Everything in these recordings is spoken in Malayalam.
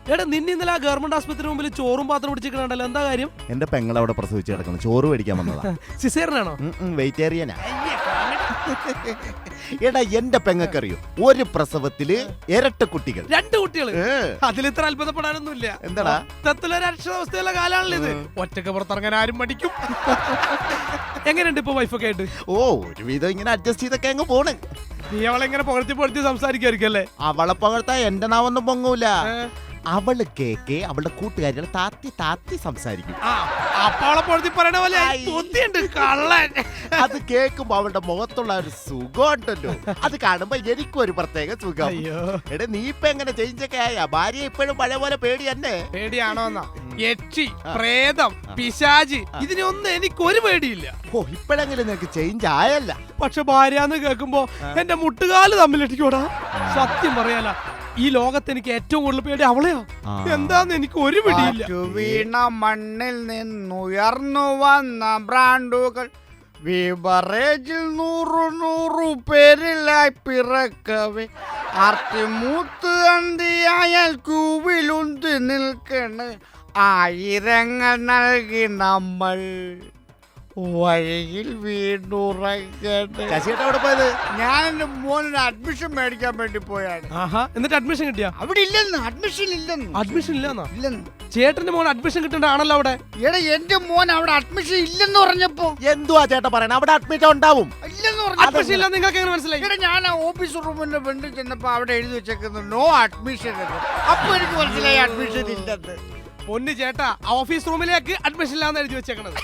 എടാ നിന്നെ ഇന്നലെ ആ ഗവൺമെന്റ് ആശുപത്രി മുമ്പിൽ ചോറും പാത്രം പിടിച്ചിട്ടുണ്ടല്ലോ, എന്താ കാര്യം? എന്റെ പെങ്ങൾ അവിടെ പ്രസവിച്ച് കിടക്കുന്നു, ചോറ് മേടിക്കാൻ വന്നതാ. സിസേറിനാണോ? വെജിറ്റേറിയനാ. എടാ എന്റെ പെങ്ങക്കറിയോ, ഒരു പ്രസവത്തില് ഇരട്ട കുട്ടികൾ, 2 കുട്ടികൾ. അതിലിത്ര അത്ഭുതപ്പെടാനൊന്നുമില്ല. എന്താടാ മൊത്തത്തിലൊരു അക്ഷരാവസ്ഥയുള്ള കാലാണല്ലോ ഇത്. ഒറ്റക്ക് പുറത്തിറങ്ങാൻ ആരും മടിക്കും. എങ്ങനെയുണ്ട് ഇപ്പൊ വൈഫൊക്കെ ആയിട്ട്? ഓ ഒരുവിധം ഇങ്ങനെ അഡ്ജസ്റ്റ് ചെയ്തൊക്കെ അങ്ങ് പോണ്. നീ അവളെങ്ങനെ പുകഴ്ത്തി സംസാരിക്കുമായിരിക്കും അല്ലേ? അവളെ പകർത്താ എന്റെ നാവൊന്നും പൊങ്ങൂല. അവള് കേക്ക് അവളുടെ കൂട്ടുകാരികൾ താത്തി സംസാരിക്കും. പറയണ പോലെ കള്ളൻ. അത് കേൾക്കുമ്പോ അവളുടെ മുഖത്തുള്ള ഒരു സുഖം ഉണ്ടല്ലോ, അത് കാണുമ്പോ എനിക്കും ഒരു പ്രത്യേക സുഖം. എടാ നീ ഇപ്പൊ എങ്ങനെ ചേഞ്ചൊക്കെ ആയ? ഭാര്യ ഇപ്പോഴും പഴയ പോലെ പേടി തന്നെ? പേടിയാണോന്നാ? യക്ഷി, പ്രേതം, പിശാചി, ഇതിനൊന്നും എനിക്കൊരു പേടിയില്ല. ഓ ഇപ്പോഴെങ്കിലും നിനക്ക് ചേഞ്ച് ആയല്ല. പക്ഷെ ഭാര്യാന്ന് കേൾക്കുമ്പോ എന്റെ മുട്ടുകാല് തമ്മിലിട്ടിക്കോടാ. സത്യം പറയാല, ഈ ലോകത്ത് എനിക്ക് ഏറ്റവും കൂടുതൽ പേടി അവളെയാ. എന്താന്ന് എനിക്ക് ഒരു പിടിയില്ല. വീണ മണ്ണിൽ നിന്നുയർന്നു വന്ന ബ്രാൻഡുകൾ വിവറേജിൽ 100 പേരിലായി പിറക്കവേ ആർത്തിമൂത്ത് അന്തിയായാൽ കൂവിലുന്തി നിൽക്കണ് ആയിരങ്ങൾ നൽകി നമ്മൾ വഴിയിൽ വീണ്ടുറങ്ങട്ടെ. ശശിയേട്ടാ പോയത്? ഞാൻ എന്റെ മോനൊരു അഡ്മിഷൻ മേടിക്കാൻ വേണ്ടി പോയാണ്. എന്നിട്ട് അഡ്മിഷൻ കിട്ടിയാ? അവിടെ ഇല്ലെന്ന്, അഡ്മിഷൻ ഇല്ലെന്ന്. അഡ്മിഷൻ ഇല്ലെന്നാ? ഇല്ലെന്ന്. ചേട്ടന്റെ മോൻ അഡ്മിഷൻ കിട്ടണ്ടാണല്ലോ അവിടെ. എടാ എന്റെ മോൻ അവിടെ അഡ്മിഷൻ ഇല്ലെന്ന് പറഞ്ഞപ്പോ എന്തുവാ ചേട്ടാ പറയണ? അവിടെ അഡ്മിറ്റ് ഉണ്ടാവും. ഇല്ലെന്ന് പറഞ്ഞു. അഡ്മിഷൻ ഇല്ല നിങ്ങൾക്ക് എങ്ങനെ മനസ്സിലായി? എടാ ഞാൻ ആ ഓഫീസ് റൂമിന്റെ ഫ്രണ്ടിൽ ചെന്നപ്പോ അവിടെ എഴുതി വെച്ചേക്കുന്നു നോ അഡ്മിഷൻ. അപ്പൊ എനിക്ക് മനസ്സിലായി അഡ്മിഷൻ ഇല്ലെന്ന്. പൊന്നു ചേട്ടാ, ഓഫീസ് റൂമിലേക്ക് അഡ്മിഷൻ ഇല്ലാന്ന് എഴുതി വെച്ചേക്കണത്.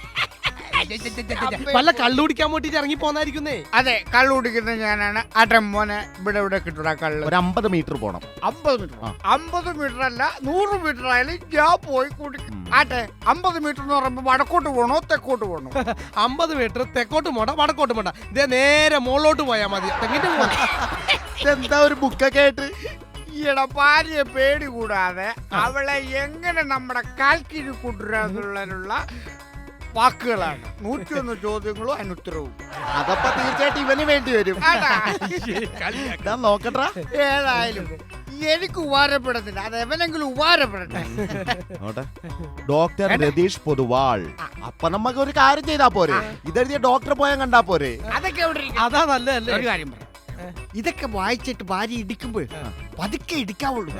വല്ല കള്ളു കുടിക്കാൻ വേണ്ടിട്ട് ഇറങ്ങി പോന്നായിരിക്കുന്നേ. അതെ, കള്ളു കുടിക്കുന്ന ഞാനാണ്. ആട്ടെ മോനെ ഇവിടെ കിട്ടൂടാ കള്ള്. ഒരു 50 മീറ്റർ പോണം. 50 മീറ്റർ? 50 മീറ്റർ അല്ല, 100 മീറ്റർ ആയാലും ഞാൻ പോയി കുടിക്കും. ആട്ടെ 50 മീറ്റർ എന്ന് പറയുമ്പോ വടക്കോട്ട് പോകണോ തെക്കോട്ട് പോകണോ? 50 മീറ്റർ തെക്കോട്ട് പോണ്ട വടക്കോട്ട് പോണ്ട, ഇതേ നേരെ മുകളിലോട്ട് പോയാ മതി. തെങ്ങിട്ട് പോകണം. എന്താ ഒരു ബുക്കൊക്കെ ആയിട്ട്? ഈയിടെ ഭാര്യയെ പേടി കൂടാതെ അവളെ എങ്ങനെ നമ്മുടെ കാൽക്കിരി കൂട്ടുരാന്നുള്ള വാക്കുകളാണ്. 101 ചോദ്യങ്ങളും അനുത്തരവും. അതപ്പോ തീർച്ചയായിട്ടും ഇവന് വേണ്ടി വരും. നോക്കട്ടാ. ഏതായാലും എനിക്ക് ഉപകാരപ്പെടുന്നില്ല, അത് എവനെങ്കിലും ഉപകാരപ്പെടട്ടെ. ഡോക്ടർ രതീഷ് പൊതുവാൾ. അപ്പൊ നമുക്ക് ഒരു കാര്യം ചെയ്താ പോരെ? ഇതെഴുതിയ ഡോക്ടറെ പോയാൽ കണ്ടാ പോരെ? അതൊക്കെ അതാ നല്ലതല്ലേ? ഒരു കാര്യം പറയാം, ഇതൊക്കെ വായിച്ചിട്ട് ഭാര്യ ഇടിക്കുമ്പോൾ പതുക്കെ ഇടിക്കാവുള്ളൂ.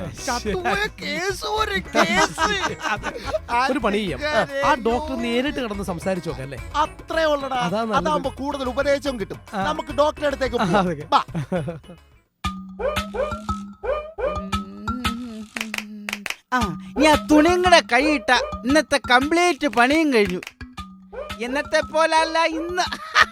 ഒരു പണി ചെയ്യാം, ആ ഡോക്ടർ നേരിട്ട് കിടന്ന് സംസാരിച്ചു നോക്കാം അല്ലേ? അത്രേ ഉള്ളടാ. അതാകുമ്പോ കൂടുതൽ ഉപദേശവും കിട്ടും. നമുക്ക് ഡോക്ടറെ അടുത്തേക്ക് പോവാം. ഞാൻ തുണിങ്ങളുടെ കൈയിട്ട ഇന്നത്തെ കംപ്ലീറ്റ് പണിയും കഴിഞ്ഞു. ഇന്നത്തെ പോലല്ല ഇന്ന്.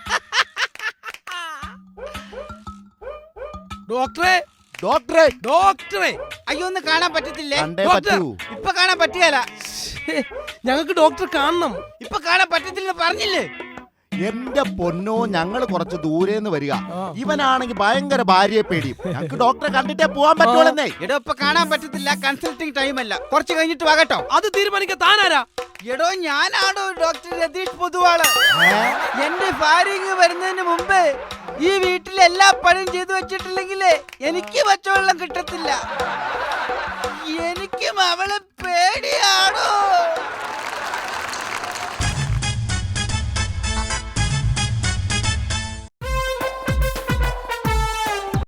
ഡോക്ടറെ ഡോക്ടറെ ഡോക്ടറെ അയ്യോ ഒന്ന് കാണാൻ പറ്റത്തില്ലേ? ഇപ്പൊ കാണാൻ പറ്റിയല്ല. ഞങ്ങൾക്ക് ഡോക്ടറെ കാണണം. ഇപ്പൊ കാണാൻ പറ്റത്തില്ലെന്ന് പറഞ്ഞില്ലേ? എന്റെ പൊന്നോ, ഞങ്ങള് കുറച്ച് ദൂരേന്ന് വരിക. ഇവനാണെങ്കിൽ ഭയങ്കര ഭാര്യയെ പേടിയും. ഞങ്ങൾക്ക് ഡോക്ടറെ കണ്ടിട്ടേ പോവാൻ പറ്റുള്ളന്നേ. എടോ ഇപ്പൊ കാണാൻ പറ്റത്തില്ല, കൺസൾട്ടിങ് ടൈം അല്ല, കുറച്ച് കഴിഞ്ഞിട്ട് വാകട്ടോ. അത് തീരുമാനിക്കാൻ താനാരാ? എടോ ഞാനാണോ ഡോക്ടർ രതീഷ് പൊതുവാള്. എന്റെ ഭാര്യ വരുന്നതിന് മുമ്പ് ഈ വീട്ടിൽ എല്ലാ പണിയും ചെയ്തു വെച്ചിട്ടില്ലെങ്കിലേ എനിക്ക് പച്ചവെള്ളം കിട്ടത്തില്ല. എനിക്കും അവളെ